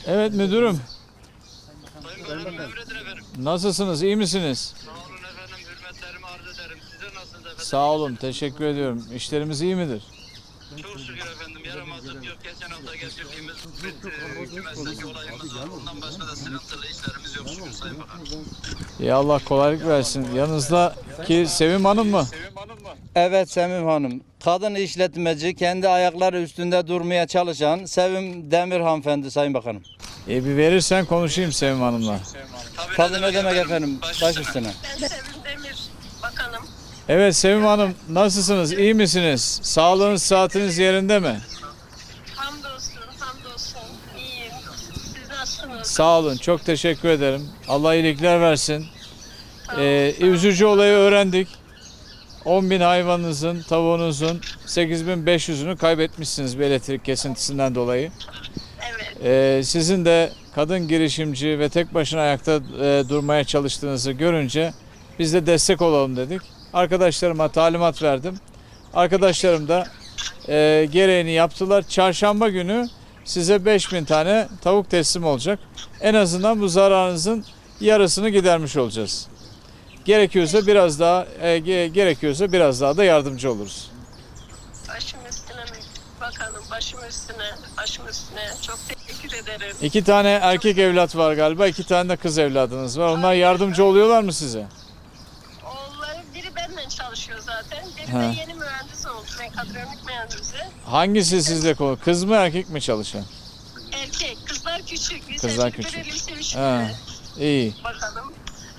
Evet müdürüm. Sayın Bakanım emredin efendim. Nasılsınız? İyi misiniz? Sağ olun efendim. Hürmetlerimi arz ederim. Size nasılsınız efendim? Sağ olun. Teşekkür ediyorum. İşlerimiz iyi midir? Çok şükür efendim. Yaramazlık yok. Geçen hafta geçirdiğimiz kümesteki olayımız var. Ondan başka da sıkıntılı işlerimiz yok şükür Sayın Bakanım. Ya Allah kolaylık versin. Yanınızdaki Sevim Hanım mı? Evet Sevim Hanım. Kadın işletmeci, kendi ayakları üstünde durmaya çalışan Sevim Demir hanımefendi Sayın Bakanım. Bir verirsen konuşayım Sevim Hanım'la. Tabii ne demek efendim, baş üstüne. Ben Sevim Demir Bakanım. Evet Sevim Hanım nasılsınız? İyi misiniz? Sağlığınız, saatiniz yerinde mi? Hamdolsun, hamdolsun. İyiyim. Siz nasılsınız? Sağ olun. Çok teşekkür ederim. Allah iyilikler versin. Üzücü olayı öğrendik. 10.000 hayvanınızın, tavuğunuzun 8.500'ünü kaybetmişsiniz bir elektrik kesintisinden dolayı. Evet. Sizin de kadın girişimci ve tek başına ayakta durmaya çalıştığınızı görünce biz de destek olalım dedik. Arkadaşlarıma talimat verdim. Arkadaşlarım da gereğini yaptılar. Çarşamba günü size 5.000 tane tavuk teslim olacak. En azından bu zararınızın yarısını gidermiş olacağız. Gerekiyorsa biraz daha da yardımcı oluruz. Başım üstüne mi? Bakanım başım üstüne, başım üstüne. Çok teşekkür ederim. 2 tane erkek evlat var galiba, 2 tane de kız evladınız var. Onlar yardımcı oluyorlar mı size? Oğulları biri benden çalışıyor zaten. Biri Ha. de yeni mühendis oldu. Mekatronik mühendisi. Hangisi sizle konu? Kız mı erkek mi çalışan? Erkek. Kızlar küçük. Kızlar Lise küçük. Lise Ha, iyi. Bakanım.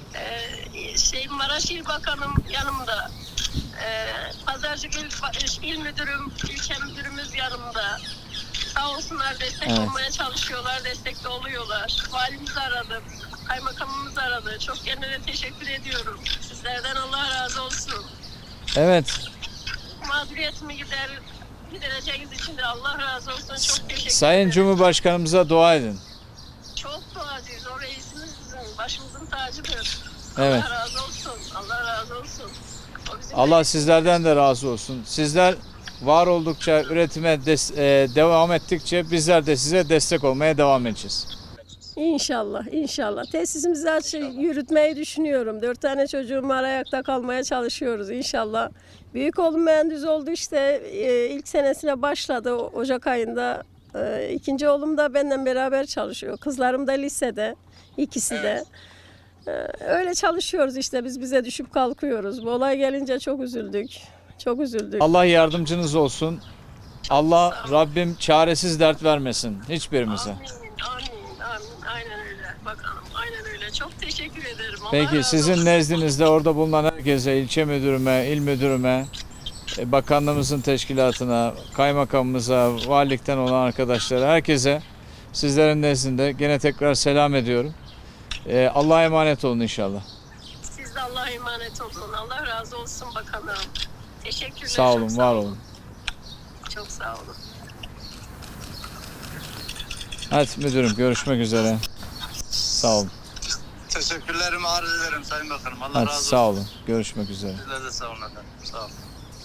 Maraş İl Bakanım yanımda. Pazarcık İl Müdürüm, ilçe müdürümüz yanımda. Sağ olsunlar destek Evet. olmaya çalışıyorlar, destek de oluyorlar. Valimiz aradı, kaymakamımız aradı. Çok kendine teşekkür ediyorum. Sizlerden Allah razı olsun. Evet. Mağduriyetimi gidereceğiniz için de Allah razı olsun. Çok teşekkür Sayın ederim. Cumhurbaşkanımıza dua edin. Çok duacıyız. O reisimiz bizim, başımızın tacıdır. Evet. Allah razı olsun. Allah razı olsun. O bizim Allah sizlerden de razı olsun. Sizler var oldukça, üretime devam ettikçe bizler de size destek olmaya devam edeceğiz. İnşallah, inşallah. Tesisimizi yürütmeyi düşünüyorum. 4 tane çocuğum var, ayakta kalmaya çalışıyoruz inşallah. Büyük oğlum mühendis oldu işte, ilk senesine başladı Ocak ayında. İkinci oğlum da benden beraber çalışıyor. Kızlarım da lisede, ikisi de. Öyle çalışıyoruz işte, biz bize düşüp kalkıyoruz. Bu olay gelince çok üzüldük, çok üzüldük. Allah yardımcınız olsun. Allah Rabbim çaresiz dert vermesin hiçbirimize. Amin, amin, amin. Aynen öyle. Bakalım, aynen öyle. Çok teşekkür ederim. Allah Peki razı sizin olsun. nezdinizde orada bulunan herkese, ilçe müdürüme, il müdürüme, bakanlığımızın teşkilatına, kaymakamımıza, valilikten olan arkadaşlara, herkese sizlerin nezdinde gene tekrar selam ediyorum. Allah'a emanet olun inşallah. Siz de Allah'a emanet olun. Allah razı olsun bakanım. Teşekkürler. Sağ olun, çok var olun. Çok sağ olun. Hadi müdürüm görüşmek üzere. Sağ olun. Teşekkürlerimi arz ederim Sayın Bakanım. Allah Hadi razı olsun. sağ olun. Görüşmek üzere. Sizler de sağ olun efendim. Sağ olun.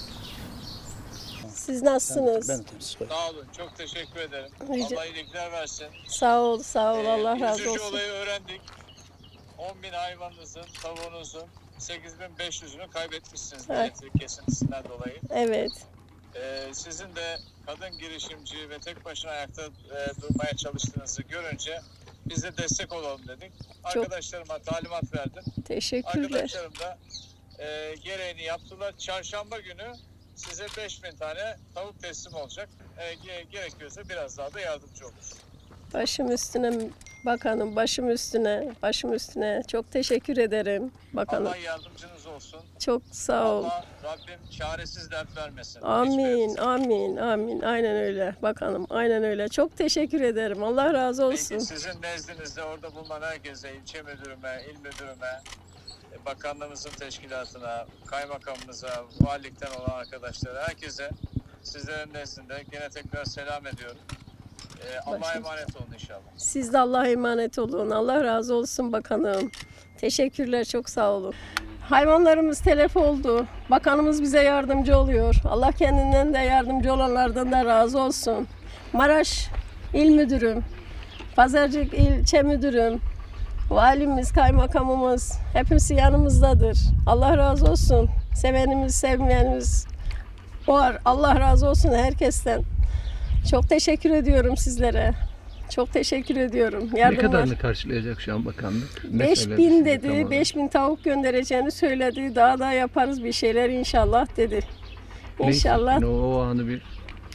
Siz nasılsınız? Sağ olun. Çok teşekkür ederim. Rica- Allah iyilikler versin. Sağ ol, sağ ol. Allah razı Üzücü olsun. olayı öğrendik. 10.000 hayvanınızın, tavuğunuzun 8.500'ünü kaybetmişsiniz Evet. elektrik kesintisinden dolayı. Evet. Sizin de kadın girişimci ve tek başına ayakta durmaya çalıştığınızı görünce biz de destek olalım dedik. Arkadaşlarıma talimat verdim. Teşekkürler. Arkadaşlarım da gereğini yaptılar. Çarşamba günü size 5.000 tane tavuk teslim olacak. Gerekiyorsa biraz daha da yardımcı olur. Başım üstüne bakanım, başım üstüne, başım üstüne. Çok teşekkür ederim bakanım. Allah yardımcınız olsun. Çok sağ ol. Allah Rabbim çaresiz dert vermesin. Amin, Hiçbirimize. amin, amin. Aynen öyle bakanım, aynen öyle. Çok teşekkür ederim. Allah razı olsun. Peki sizin nezdinizde orada bulunan herkese, ilçe müdürüme, il müdürüme, bakanlığımızın teşkilatına, kaymakamımıza, valilikten olan arkadaşlara, herkese sizlerin nezdinde gene tekrar selam ediyorum. Allah'a Başım. emanet olun inşallah. Siz de Allah'a emanet olun. Allah razı olsun bakanım. Teşekkürler, çok sağ olun. Hayvanlarımız telef oldu. Bakanımız bize yardımcı oluyor. Allah kendinden de yardımcı olanlardan da razı olsun. Maraş İl Müdürüm, Pazarcık ilçe müdürüm, valimiz, kaymakamımız hepsi yanımızdadır. Allah razı olsun. Sevenimiz, sevmeyenimiz var. Allah razı olsun herkesten. Çok teşekkür ediyorum sizlere. Çok teşekkür ediyorum. Ne Yardımlar. kadarını karşılayacak şu an bakanlık? Ne 5000 söyledi dedi. size tam olarak? 5000 tavuk göndereceğini söyledi. Daha da yaparız bir şeyler inşallah dedi. Ne İnşallah hissettin? O anı bir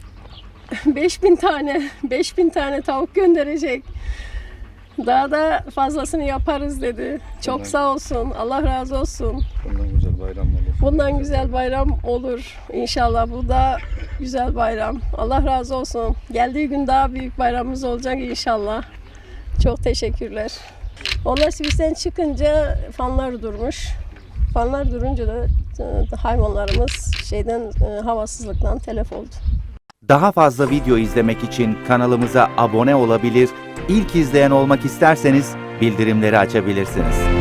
5000 tane tavuk gönderecek. Daha da fazlasını yaparız dedi. Çok sağ olsun. Allah razı olsun. Bundan güzel bayram olur. Bundan güzel bayram olur. İnşallah bu da güzel bayram. Allah razı olsun. Geldiği gün daha büyük bayramımız olacak inşallah. Çok teşekkürler. Onlar Sivris'ten çıkınca fanlar durmuş. Fanlar durunca da hayvanlarımız havasızlıktan telef oldu. Daha fazla video izlemek için kanalımıza abone olabilir, ilk izleyen olmak isterseniz bildirimleri açabilirsiniz.